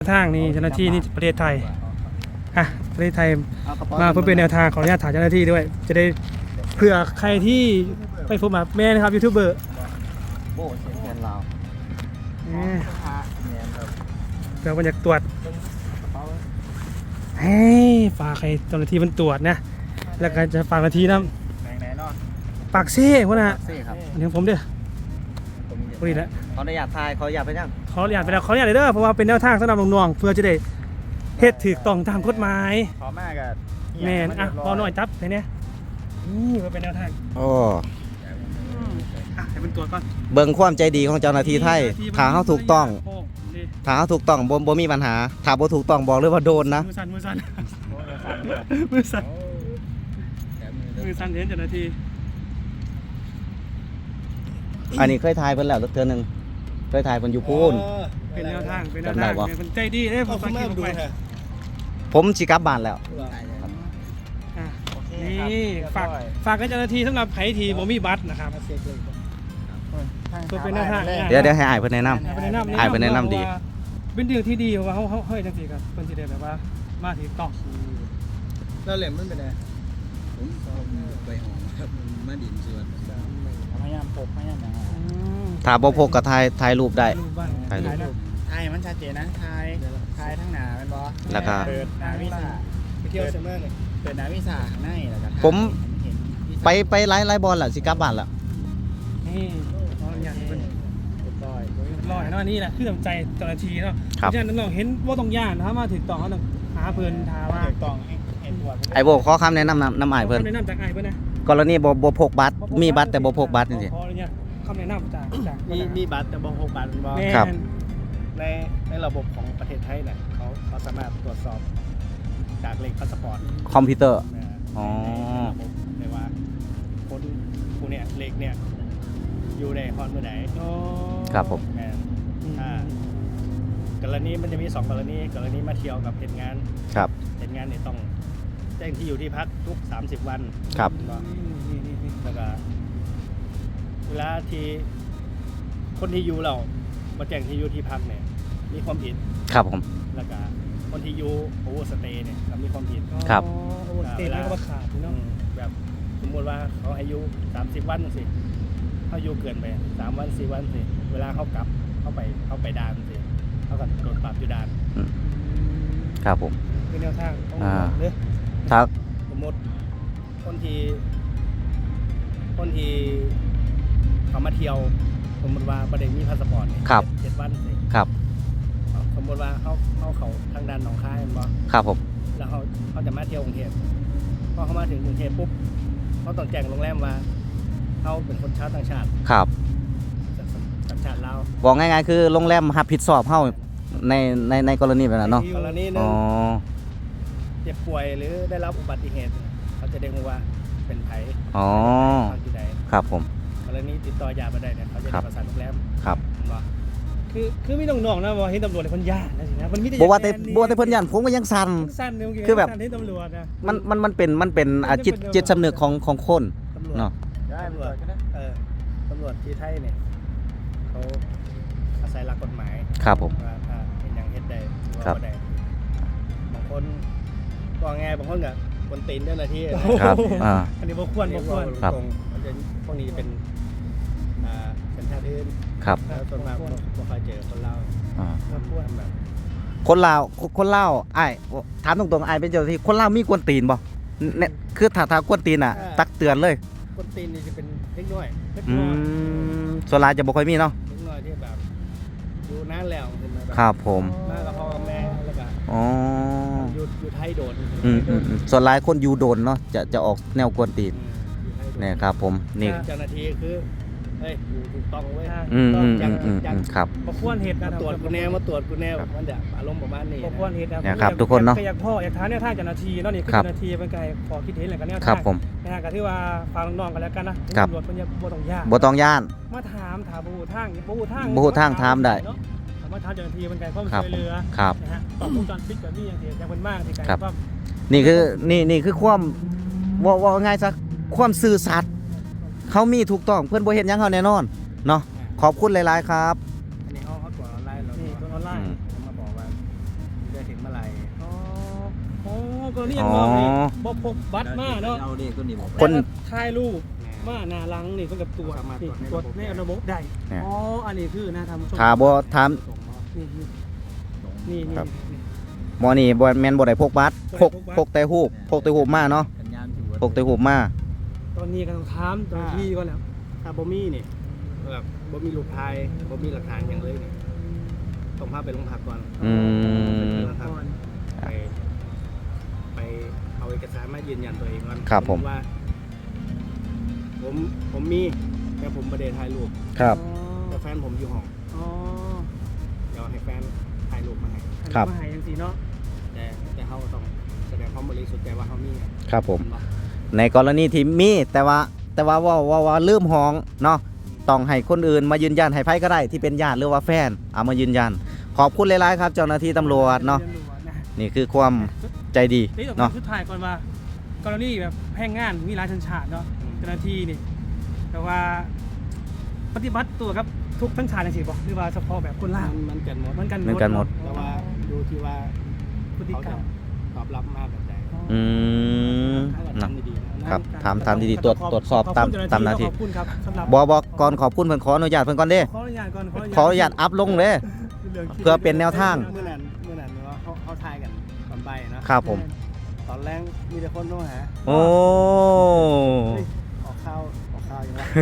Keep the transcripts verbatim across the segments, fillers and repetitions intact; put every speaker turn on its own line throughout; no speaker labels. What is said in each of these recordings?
ทางนี่เจ้าหน้าที่นี่ประเทศไทยอ่ะประเทศไทยมาเพื่อเป็นแนวทางขออนุญาตถามเจ้าหน้าที่ด้วยจะได้เผื่อใครที่ไปพบมาแม่นะครับยูทูบเบอร์
โบ้เสียงแทนเรา
เดี๋ยวมันจะตรวจเฮ้ยฝากใครเจ้าหน้าที่มันตรวจนะแล้วก็จะฝากหน้าที่นะปากเซ่พวกน่ะอันนี้ผมเด้อพอดีแล้ว
ขออนุญาตทายขออนุญาตไปยัง
ขออนุญาตไปแล้วขออนุญาตเลยเด้อเพราะว่าเป็นแนวทางสำหรับน้องๆเพื่อจะได้เฮ็ดถูกต้องตามกฎหมาย
ขอมากกับ
แม่นอ่ะพอหน่อยจับไปเนี่ยนี่มันเป็นแนวทาง
โอ้
อ่ะให้เป็นตัวก่อน
เบิ่งความใจดีของเจ้าหน้าที่ไทยถ้าเขาถูกต้องถ้าเขาถูกต้องบ่บ่มีปัญหาถ้าบ่ถูกต้องบอกเลยว่าโดนนะ
มือสั่นมือสั่นมือสั่นมือสั่นเห็นเจ้าหน้าที่
อันนี้เคยทายเพิ่นแล้วเทื่อนึงเคยทายเพิ่นอยู่พูน
เป็นแนวทางเป็นแนวทางเป็นใจดีเด้ผมมาดู
ผมสิกลับบ้านแล้ว
นี่ฝากฝากให้เจ้าหน้าที่สำหรับไผที่บ่มีบัตรนะครับตัวเป็นแนวทาง
เดี๋ยวเดี๋ยวให้อ้ายเพิ่นแนะนำอ้ายเพิ่นแนะนำดี
เป็นเรื่องที่ดีเพราะว่าเขาเขาเฮ้ยจังซี่ครับเพิ่นสิได้แบบว่ามาถึงต้อง
แล้วเหล่มมันเป็นไงผมไปหอมครับมาดินส่วน
พยายามพกพยายามอย่าง
ถ้าบ่พกก็ถ่ายถ่ายรูปได้
ถ่ายรูป
ถ่ายมันชัดเจนนะถ่ายถ่ายทั้งหน้าเป็นบ่
แล้วก็
เปิดหน้าวิซ่าไปเที่ยวเซมเมอร์เลยเปิดหน้าวิซ่าข้างในแล้วก็
ผมไปไปไลฟ์ไลฟ์บอลล่ะสิกลับบ้านแล้ว
นี่ขออนุญาตเพิ่นร้อยร้อยเนาะนี่แหละคือน้ำใจเจ้าหน้าที่เนาะเพราะฉะนั้นน้องเห็นบ่ต้องย่านถ้ามาถึงต้องเขาต้องหาเพิ่นถามว่า
ต้องเห็นตัว
ไอ้โบขอคำแนะนำน้ำอ้ายเพิ่น
แนะนำจากอ้ายเพิ่นนะ
กรณีบ่บ่พกบัตรมีบัตรแต่บ่พกบัตรจังซี่
ขออนุญาตคำแนะนำจากจาก
มีมีบัตรแต่บ่พกบัตรบ่
ครับ
ในในระบบของประเทศไทยเนี่ยเขาเขาสามารถตรวจสอบจากเลขพาสปอร์ต
คอมพิวเตอร์อ๋อ
เลยว่าคนผู้เนี่ยเลขเนี่ยอยู่ในฮอนเมื่อไหร่
ครับผม
ถ้ากรณีมันจะมีสองกรณีกรณีมาเที่ยวกับเหตุงาน
ครับ
เหตุงานเนี่ยต้องแจ้งที่อยู่ที่พักทุกสามสิบวัน
ครับ
แล้วก็เวลาที่คนที่อยู่เรามาแจ้งที่อยู่ที่พักเนี่ยมีความผิด
ครับผม
แล้วก็คนที่อยู่โอเวอร์สเตย์เนี่ยก็มีความผิด
ครับ
โอเวอร์สเตย์ก็ขาดเนาะ
แบบสมมติว่าเขาอายุสามสิบวันสิเขาอยู่เกินไปสามวันสี่วันสิเวลาเขากลับเข้าไปเข้าไปด่านสิเขาก็โดนปรับอยู่ด่าน
ครับผม
เป็นแนวทาง
อ่าครับ
สมมติคนที่คนที่เขามาเที่ยวสมมติว่าประเด็นมีพาสปอร์ตเนี่ยเจ็ดวันสิ
ครับ
สมมติว่าเขาเขาเขาทางด้านหนองคายมันบ่
ครับผม
แล้วเขาเขาจะมาเที่ยวกรุงเทพพอเขามาถึงกรุงเทพปุ๊บเขาต้องแจ้งโรงแรมว่าเขาเป็นคนชาวต่างชาติ
ครับ
สัญชาติลาว
บอกง่ายๆคือโรงแรมรับผิดชอบเฮาในในในกรณีแบบนั้นเนาะ
กรณีนึงเจ็บป่วยหรือได้รับอุบัติเหตุเขาจะได้รู้ว่าเป็นไผ
อ๋อครับผม
กรณีติดต่อยามาได้เนี่ยเขาจะประสานโรงแรม
ครับ
คือคือมีน้องๆนะว่าเห็นตำรวจเลยคนย่านนะสินะมันมีแต่
บอกว่าแต่บอกแต่เพิ่นย่านผมก็ยังสั่นคือแบบ
เห็นตำรวจนะ
มันมันมันเป็นมันเป็นจิตจิตสำนึกของของคนเนาะ
ตำรวจเออตำรวจที่ไทยเนี่ยเขาอาศัยหลักกฎหมาย
ครับผม
ว่าถ้าเป็นอย่างเฮ็ดได้หรือว่าบ่ได้บางคนก็ไงบางคนก็คนตีนเจ้าหน้าที่
ครับอ่า
อันนี้บ่ควรบ่ควร
ครับ
พวกนี้จะเป็นอ่าสัญชาติอื่น
ครับ
ส่วนมากบ่ค่อยเจอคนลาว
อ่า
บ่ควรแบบ
คนลาวคนลาวอ้ายถามตรงๆอ้ายเป็นเจ้าหน้าที่คนลาวมีกวนตีนบ่เนี่ยคือถ้าถ้ากวนตีนน่ะตักเตือนเลย
กวนตีนนี่จะเป็นเล็กน้อย
อืมส่วนหลายจะบ่ค่อยมีเนาะ
เล็กน้อยที่แบบอยู่นานแล้วขึ้นมาแบบ
ครับผม
มากับพ่อกับแม่แล้วก็
อ๋อ
อยู่อยู่ไทยโดน
อืมๆส่วนหลายคนอยู่โดนเนาะจะจะออกแนวกวนตีนเนี่ยครับผมนี่
เจ้าหน้าที่คือเฮ้ยถูกต้องเว้ย
อืมๆๆๆครับ
บ่ควรเฮ็ดนะ
ตรวจกูแน่มาตรวจกูแน่มันจะอารมณ์ประมาณนี้
บ่ควรเฮ็ดนะ
เนี่ยครับทุกคนเนาะ
อยากพ่ออยากถามแนวทางเจ้าหน้าที่เนาะนี่คือเจ้าหน้าที่เป็นไงขอคิดเห็นแล้วกันแนวทาง
ครับผม
นะฮะก็ถือว่าฟังน้องๆกันแล้วกันนะตำรวจเพิ่นบ่ต้องย่าน
บ่ต้องย่าน
มาถามถามบ่ฮู้ทางบ่ฮู้ทาง
บ่ฮู้ทางถามได้
มาถามเจ้าหน้าที่เป็นไงความช่วยเหลือนะฮะต้องวงจรปิดแบบนี้อย่างที่อย่างเพิ่นมาที่ไกลว่า
นี่คือนี่นี่คือความว่าว่าง่ายซะความซื่อสัตย์เขามีถูกต้องเพื่อนบ่เห็นยังเขาแน่นอนเนาะขอบคุณหลายๆครับ
อันนี้เขาเขาตรวจออนไลน์เรา
นี่ตรวจออนไลน์
มาบอกว่าอะไร
อ๋อโอ้ก็นี่ยังบอกนี่บ่พกบัตรมาเนาะ
เอาเด็กตัวนี้บอก
คน
แต่ว่าถ่ายรูปมาหน้าหลังนี่เพิ่นกับตรวจนี่ตรวจในระบบได้อ๋ออันนี้คือนะทำ
ถ้าบ่ถาม
นี่นี่นี่
ครับ
นี่
หมอนี่บ่แม่นบ่ได้พกบัตรพกพกแต่รูปพกแต่รูปมาเนาะ
สัญญาณถือว่า
พกแต่รูปมา
ตอนนี้ก็ต้องถามเจ้าหน้าที่ก่อนแล้ว
ถ้าบ่มีนี่แบบบ่มีรูปถ่ายบ่มีหลักฐานอย่างเลยนี่ต้องพาไปโรงพักก่อน
อืม
ไปโรงพักไปไปเอาเอกสารมายืนยันตัวเองก่อน
ครับผม
ว่า ผมผมมีแต่ผมบ่ได้ถ่ายรูป
ครับ
แต่แฟนผมอยู่ห้อง
อ๋อ
เดี๋ยวให้แฟนถ่ายรูปมาให้
ครับ
มาหาจังซี่เนาะ
แต่แต่เขาต้องแสดงความบริสุทธิ์ใจว่าเขามีไง
ครับผม
เนาะ
ในกรณีที่มีแต่ว่าแต่ว่าว่าว่าว่าลืมห้องเนาะต้องให้คนอื่นมายืนยันให้ไผก็ได้ที่เป็นญาติหรือว่าแฟนเอามายืนยัน ขอบคุณหลายๆครับเจ้าหน้าที่ตำรวจเนาะ
ตำรวจนะ
นี่คือความใจดี
นี่ต้อง
เนาะ
สุดท้ายก่อนว่ากรณีแบบแพงงานมีหลายสัญชาติเนาะเจ้าหน้าที่นี่แต่ว่าปฏิบัติตัวครับทุกสัญชาติจังซี่บ่หรือว่าเฉพาะแบบคนลาว
มันมันกันหมด
เหมือนกัน
เหมือนกันหมด
แต่ว่าดูที่ว่า
พฤติ
เขา
กร
จะ
รม
ตอบรับมากแบบไหน
อืม
ถ้าเรา
เนาะ
ทำดีๆนะครับ
ถามถามดีๆตรวจตรวจสอบตามตามหน้าที่
ขอบคุณครับสำหรับ
บ่บ่ก่อนขอบคุณเพิ่นขออนุญาตเพิ่นก่อนเด้
ขออนุญาตก่อน
ขออนุญาตอัพลงเด้ เพื่อเป็นแนวทาง
เมื่อนั้นเมื่อนั้นว่าเขาเขาทายกันตอนใบเนาะ
ครับผม
ตอนแรกมีแต่คนโทรหา
โอ้
ออกข้าวออกข้าวยังไง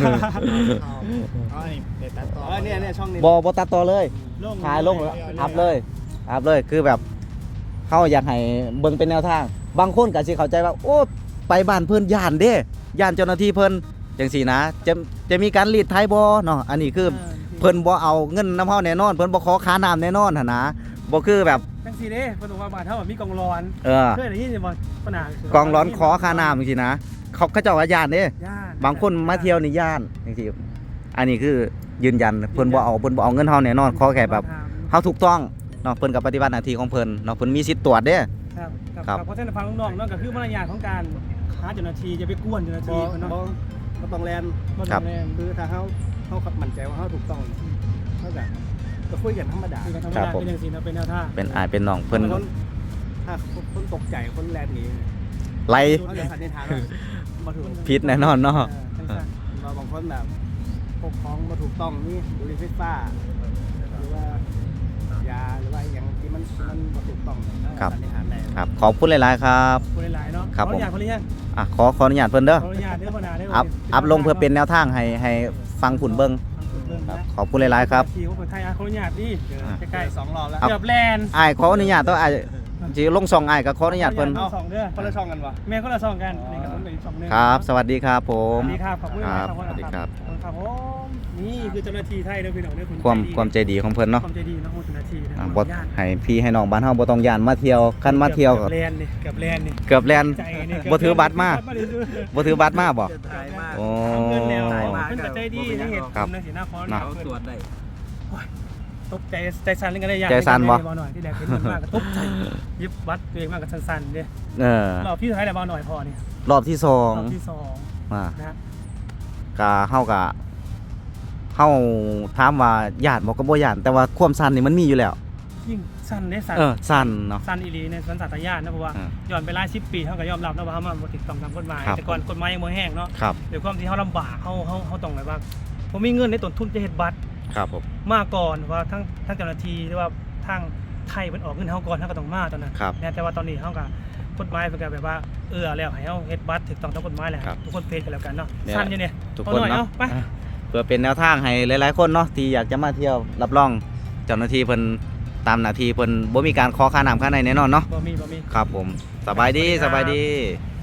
อ๋อนี่เด็ดตัดต่อเนี่ยเนี่ยช่องนี้
บ่บ่ตัดต่อเลยถ่ายลงแล้วอัพเลยอัพเลยคือแบบเฮาอยากให้เบิ่งเป็นแนวทาง บางคนก็สิเข้าใจว่าโอ้ไปบ้านเพิ่นย่านเด้ย่านเจ้าหน้าที่เพิ่นจังซี่นะจะจะมีการรีดไถบ่เนาะอันนี้คือเพิ่นบ่เอาเงินน้ำเฮาแน่นอนเพิ่นบ่ขอค่าน้ำแน่นอนหั่นนะบ่คือแบบ
จังซี่เด้เพิ่นบอกว่าบ้านเฮามีกองร้อน
เออ
เคยได้ยินบ่ปัญหาก
องร้อนขอค่าน้ำจังซี่นะเขาเขาเจ้าว่าย่านเด้
ย่าน
บางคนมาเที่ยวนี่ย่านจังซี่อันนี้คือยืนยันเพิ่นบ่เอาเพิ่นบ่เอาเงินเฮาแน่นอนขอแค่แบบเฮาถูกต้องเนาะเพิ่นก็ปฏิบัติหน้าที่ของเพิ่นเนาะเพิ่นมีสิทธิ์ตรวจเด้
ครับครับ
ครับ
เพราะฉะนั้นฟังน้องๆเนาะก็คือมารยาทของการหาเจ้าหน้าที่อย่าไปกวนเจ้าหน้า
บ
ที่
อ
เพิ่นเนาะ
บอก็ต้องแลน
บ่
ครับ
แรง
คือถ้าเขาเขาขับมั่นใจว่าเขาถูกต้องเขาแบบก็คุยกันธรรมดา
คือการทำ
ครั
งา
บ
น
ผม
เป็นจังซี่เนาะเป็นแนวทาง
เป็นอายเป็นน้องเพิ่น
คนถ้าคนตกใจคนแลนหนี
ไล่
เขาจะสันนิษฐานว่ามาถูก
ผิดแน่นอนเนาะ
จังซั่น
เราบางคนแบบปกครองมาถูกต้องนี่บุหรี่ไฟฟ้าหรือว่ายาหรือว่าอย่างที่มันมันมาถูกต้องสันนิษฐานได้
ครับขอบคุณหลายๆครับ
คนหลายๆเนาะ
ครับ
ขออนุญาต
ผม
คนหรือยัง
อ่ะขอขออนุญาตเพิ่นเด้อ
ขออนุญาตเด้อพ่อนาเด้อ
อัพอัพลงเพื่อเป็นแนวทางให้ให้ฟังผุนเบิ่ง
ค
ค
รั
รั
บบ
ขอบคุณหลายๆครับ
ที่ของคนไทยอ่ะขออนุญาตดิใกล้
สองรอบแล้ว
ๆเกือบแลนด์
อ้ายขออนุญาตตัวอ้ายสิลงช่องอ้ายก็ขออนุญาตเพิ่น
ขออญาตสองเด้อ
คนละช่องกันวะ
แม่คนละสองกันนี่ก็ต้องเป็นอีกสองเด้อ
ครับ สวัสดีครับผ
ส
ม
วัสดีครับขอบคุณมาก
ครับสวัสดีครับ
ขอบคุณครับผมนี่คือเจ้าหน้าที่ไทยเด้อพี่น้องเด้อคุณ
ความ
ใจดี
ความใจดีของเพิ่นเนาะ
ความใจดีนะคุณเจ้าหน้าที่นะ
อ่า
ข
บ่
ออนุญาต
ให้พี่ให้น้องบ้านเฮาบ่ต้องย่านมาเที่ยวคันมาเที่ยวก็
เกือบแลนด์นี่เกือบแลนด์นี่
เกือบแล่น
ใจนี่
บ่ถือบัตรมา บ่ถือบัตรมาบ่
ถ่ายมาก
โอ้
เงินแล้วเพิ่นก็ใจดีนี่เฮ็ด
ครับ
ทำในสีหน้าคอน
นะ
เขาตรวจได้
ตกใจใจสั่นเล่นกันได้ยาก
ใจสั่นบ่
บ่หน่อยที่แรกเป็นเงินมากก็ตกใจยิบวัดตัวเองมากก็สั่นๆเด้
เออ
รอบที่ท้ายแล้วบ่หน่อยพอนี่
รอบที่สอง
รอบที่สอง
อ่า
นะ
ก็เฮาก็เฮาถามว่าย่านบ่ก็บ่ย่านแต่ว่าความสั่นนี่มันมีอยู่แล้ว
ยิ่งสั่นได้สั่น
เออสั่นเนาะ
สั่นอีหลีในสันสัตยานนะเพราะว่า
อ่า
ย้อนไปหลายสิบปีเฮาก็ยอมรับนะว่าเฮามันบ่ถูกต้องตามกฎหมาย
ครับ
แต่ก่อนกฎหมายยังบ่แห้งเนาะ
ครับ
ด้วยความที่เฮาลำบากเฮาเฮาเฮาต้องแบบว่าผมมีเงินในต้นทุนจะเฮ็ดบัตร
ครับผม
มาก่อนว่าทั้งทั้งเจ้าหน้าที่หรือว่าทางไทยมันออกเงินเฮาก่อนเฮาก็ต้องมาตอนนั้น
ครับ
นะแต่ว่าตอนนี้เฮาก็กฎหมายเพิ่นก็แบบว่าเอื้อแล้วให้เฮาเฮ็ดบัตรถูกต้องตามกฎหมายแล้ว
ครับ
ทุกคนเพจกันแล้วกันเนาะ
เนี่ย
สั้นอยู่เนี่ย
ทุก
พอ
คน
หน่อย
เนาะ
ไป
อ่ะเพื่อเป็นแนวทางให้หลายๆคนเนาะที่อยากจะมาเที่ยวรับรองเจ้าหน้าที่เพิ่นตามหน้าที่เพิ่นบ่มีการขอค่าน้ำค่าในแน่นอนเนาะ
บ่มีบ่มี
ครับผมสบายดี
ส
ส
วัสดีครับ
บายดี